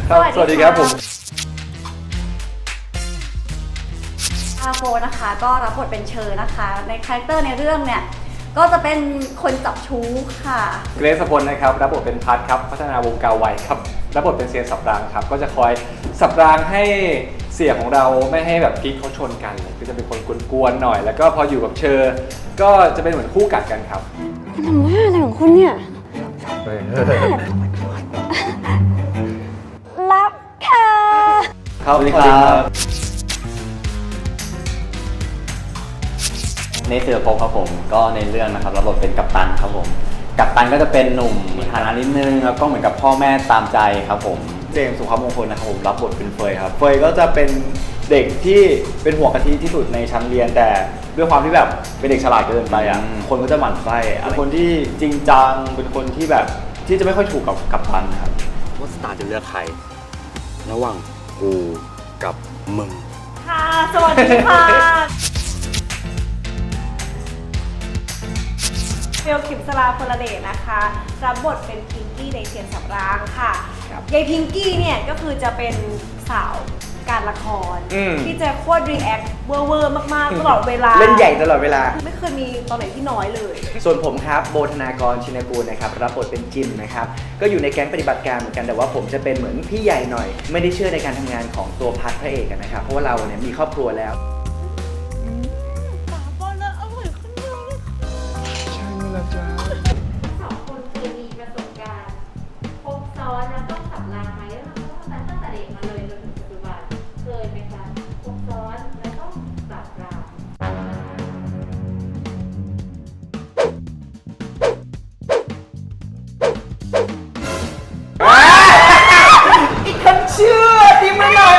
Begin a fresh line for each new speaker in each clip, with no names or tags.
สวัสดีครับผม
อาโฟนะคะก็รับบทเป็นเชอนะคะในคาแรคเตอร์ในเรื่องเนี่ยก็จะเป็นคนจับชู้ค่ะ
เกรซพลนะครับรับบทเป็นพัทครับพัฒนาวงกาไวครับรับบทเป็นเซียนสับรางครับก็จะคอยสับรางให้เสียของเราไม่ให้แบบกิ๊กเขาชนกันก็จะเป็นคนกวนๆหน่อย แล้วก็พออยู่กับเชอก็จะเป็นเหมือนคู่กัดกันครับ
คุณทำว่าอะไรของคุณเนี่ยรับค่ะ
สวัสดีครับ
ในเสือพบครับผมก็ในเรื่องนะครับรับบทเป็นกัปตันครับผมกัปตันก็จะเป็นหนุ่มมีฐานะนิดนึงแล้วก็เหมือนกับพ่อแม่ตามใจครับผมเจมส์สุภาพมงคลนะครับผมรับบทเป็นเฟยครับเฟยก็จะเป็นเด็กที่เป็นหัวกะทิที่สุดในชั้นเรียนแต่ด้วยความที่แบบเป็นเด็กฉลาดเกินไปอ่ะคนก็จะหมั่นไส้เป็นคนที่จริงจังเป็นคนที่แบบที่จะไม่ค่อยถูกกับกัปตันครับว่าสตาร์จะเลือกใครระหว่างกูกับมึง
ค่ะสวัสดีค่ะเบลขิมสลาพลเดชนะคะรับบทเป็นพิงกี้ในเซียนสับรางค่ะยายพิงกี้เนี่ยก็คือจะเป็นสาวการละครที่จะโคตรรีแอคเวอร์มากๆตลอดเวลา
เล่นใหญ่ตลอดเวลา
ไม่เคยมีตอนไหนที่น้อยเลย
ส่วนผมครับโบธนากรชินกูลนะครับรับบทเป็นจิมนะครับก็อยู่ในแก๊งปฏิบัติการเหมือนกันแต่ว่าผมจะเป็นเหมือนพี่ใหญ่หน่อยไม่ได้เชื่อในการทำงานของตัวพัทพระเอกนะครับเพราะว่าเราเนี่ยมีครอบครัวแล้ว
สองคนเคยมีประสบการณ์ครบซ้อนแล้วต้องสับรางไหมแล้วเราก็ตั้งแต่เด็กมาเลยจนถึงปัจจุบันเคยไหมคะครบซ้อนแล้วต้องสับราง
อีกคนเชื่อทีมาหน่อย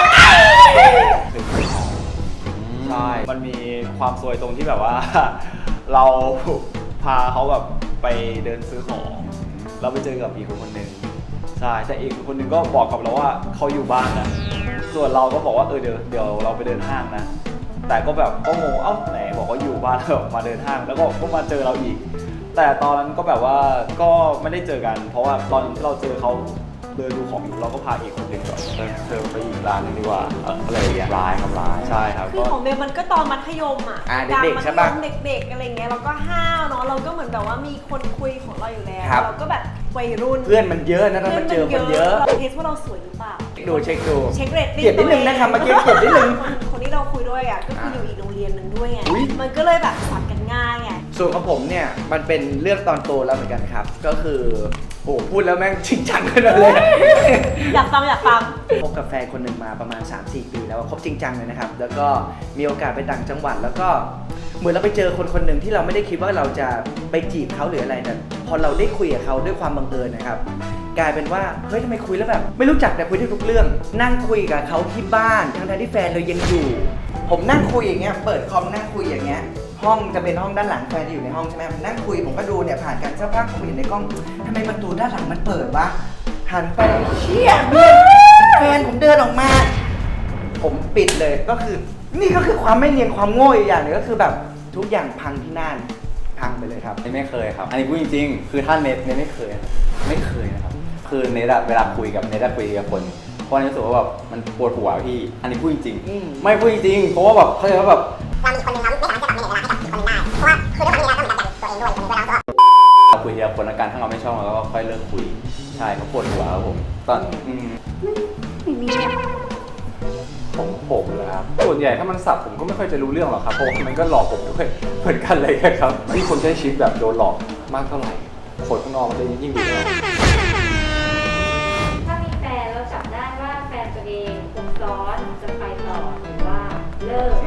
ใช่มันมีความซวยตรงที่แบบว่าเราพาเขาแบบไปเดินซื้อของเราไปเจอกับอีกคนหนึ่งใช่แต่อีกคนหนึ่งก็บอกกับเราว่าเขาอยู่บ้านนะส่วนเราก็บอกว่าเดี๋ยวเราไปเดินห้างนะแต่ก็แบบก็งงเอ้าไหนบอกว่าอยู่บ้านแล้วมาเดินห้างแล้วก็มาเจอเราอีกแต่ตอนนั้นก็แบบว่าก็ไม่ได้เจอกันเพราะว่าตอนที่เราเจอเขาเดินดูของอยู่เราก็พาอีกคนหนึ่งก่อนเธอไปอีกร้านนึงดีกว่าอะไรอย่างเงี้ยร้ายครับร้ายใช่ครับ
คือของเบลมันก็ตอนมัธยมอ่ะ
เด็กๆใช่ปะ
เด็กๆอะไรเงี้ยเราก็ห้าวเนาะเราก็เหมือนแบบว่ามีคนคุยของเราอยู่แล้วเราก็แบบวัยรุ่น
เพื่อนมันเยอะนะถ้ามันเจอคนเยอะ
เราเทสว่าเราสวยหรือเปล่า
เช็คดู
เช็คเรตติ้ง
เกียดนิดนึงนะครับเมื่อกี้เกียดนิดนึง
คนที่เราคุยด้วยอ่ะก็คืออยู่อีกโรงเรียนนึงด้วยไงมันก็เลยแบบสับกันง่ายไง
ส่วนของผมเนี่ยมันเป็นเรื่องตอนโตแล้วเหมือนกันครับก็คือโอ้พูดแล้วแม่งจริงจังขนาดเลย
อยากฟัง
คบกับแฟนคนหนึ่งมาประมาณ 3-4 ปีแล้วคบจริงจังเลยนะครับแล้วก็มีโอกาสไปต่างจังหวัดแล้วก็เหมือนเราไปเจอคนหนึ่งที่เราไม่ได้คิดว่าเราจะไปจีบเขาหรืออะไรแต่พอเราได้คุยกับเขาด้วยความบังเอิญนะครับกลายเป็นว่าเฮ้ยทำไมคุยแล้วแบบไม่รู้จักแต่คุยได้ทุกเรื่องนั่งคุยกับเขาที่บ้านทั้งที่แฟนเรายังอยู่ผมนั่งคุยอย่างเงี้ยเปิดคอมนั่งคุยอย่างเงี้ยห้องจะเป็นห้องด้านหลังแฟนจะอยู่ในห้องใช่ไหมนั่งคุยผมก็ดูเนี่ยผ่านกันสักพักผมเห็นในกล้องทำไมประตูด้านหลังมันเปิดวะหันไปเชี่ยแฟนผมเดินออกมาผมปิดเลยก็คือนี่ก็คือความไม่เนียนความโง่อีกอย่างหนึ่งก็คือแบบทุกอย่างพังที่นั่นพังไปเลยครับ
ไม่เคยครับอันนี้พูดจริงๆคือถ้าเน็ตไม่เคยนะครับคือเน็ตเวลาคุยกับคนเพราะรู้สึกว่าแบบมันปวดหัวพี่อันนี้พูดจริงไม่พูดจริงเพราะว่าแบบเขาใจว่าแบบ
เรามีคนหนึ่งเราไม่สามารถจะปรับเวลาให้กับอีกคนหนึ่งได้เพราะว่าคือด้วยความที่เราก็เหมือนกันตัวเองด้วยคนหนึ่งด้วยแล้ว
เราคุยทีละคนละกันถ้าเราไม่ชอบเราก็ค่อยเลิกคุยใช่เขาปวดหัวครับผมตอน
ผมเลยครับส่วนใหญ่ถ้ามันสับผมก็ไม่ค่อยจะรู้เรื่องหรอกครับเพราะมันก็หลอกผมด้วยเหมือนกันเลยครับที่คนใช้ชีวิตแบบโดนหลอกมากเท่าไหร่คนข้างนอกมันจะยิ่งดีเลย
ถ้ามีแฟนเราจับได้ว่าแฟนตัวเองครบซ้อนจะไปต่อหรือว่าเลิก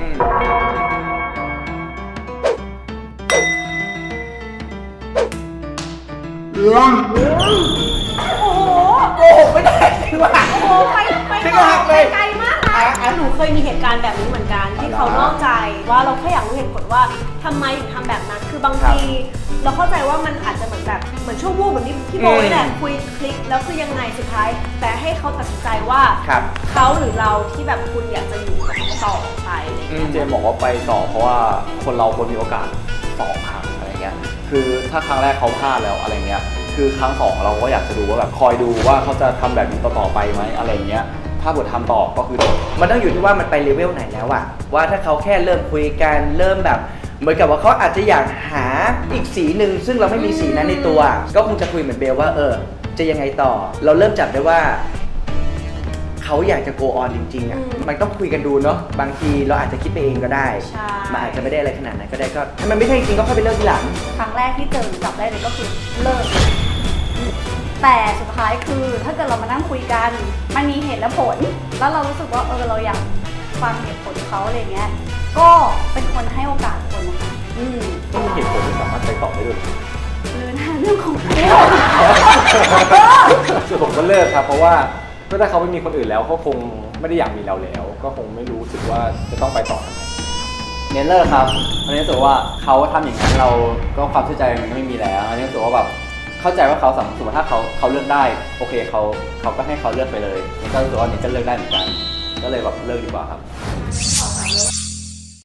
โอ้โหโกหกไม่ได้จริงว่ะ
โอ้โหไปไกลมากนะหนูเคยมีเหตุการณ์แบบนี้เหมือนกันที่เขานอกใจว่าเราแค่อยากรู้เหตุผลว่าทำไมถึงทำแบบนั้นคือบางทีเราเข้าใจว่ามันอาจจะเหมือนช่วงวูบแบบนี้พี่โบนี่แหละคุยคลิกแล้วคือยังไงสุดท้ายแต่ให้เขาตัดสินใจว่าเขาหรือเราที่แบบคุณอยากจะอยู่กับเขาต่อไปอะไรเงี้ย
เจมบอกว่าไปต่อเพราะว่าคนเราควรมีโอกาส2 ครั้งอะไรเงี้ยคือถ้าครั้งแรกเขาพลาดแล้วอะไรเงี้ยคือครั้งสองเราก็อยากจะดูว่าแบบคอยดูว่าเขาจะทำแบบนี้ต่อไปไหมอะไรเงี้ยถ้าบททำต่อก็คือ
มันต้องอยู่ที่ว่ามันไปเลเวลไหนแล้วอะว่าถ้าเขาแค่เริ่มคุยกันเริ่มแบบเหมือนกับว่าเขาอาจจะอยากหาอีกสีหนึ่งซึ่งเราไม่มีสีนั้นในตัว ก็คงจะคุยเหมือนเบลว่าจะยังไงต่อ เราเริ่มจับได้ว่าเขาอยากจะ go on จริงๆอะมันต้องคุยกันดูเนาะบางทีเราอาจจะคิดไปเองก็ได้
ใช่
มันอาจจะไม่ได้อะไรขนาดนั้นก็ได้ก็ถ้ามันไม่ใช่จริงๆก็ค่อยไปเลิกทีหลัง
ครั้งแรกที่เจอจับได้เลยก็คือเลิก แต่สุดท้ายคือถ้าเกิดเรามานั่งคุยกัน มันมีเหตุและผล แล้วเรารู้สึกว่าเราอยากฟังเหตุผลเขาอะไรเงี้ย ก็เป็นคนให้โอกาสคนนะคะ
ไม่มีเหตุผลที่สามารถไปต่อได้ด้วย
หรือนะเรื่องของเขา
ส่วนผมก็เลิกครับเพราะว่าก็ถ้าเขาไม่มีคนอื่นแล้วเขาคงไม่ได้อยากมีเราแล้ว ก็คงไม่รู้สึกว่าจะต้องไปต่อทำไม
เนเลิกครับอันนี้รู้สึกว่าเขาทำอย่างนั้นเราก็ความเชื่อใจมันก็ไม่มีแล้วอันนี้รู้สึกว่าแบบเข้าใจว่าเขาสมมติถ้าเขาเลือกได้โอเคเขาก็ให้เขาเลือกไปเลยนี่ก็รู้สึกว่านี่ก็เลือกได้เหมือนกันก็เลยแบบเลิกดีกว่าครับ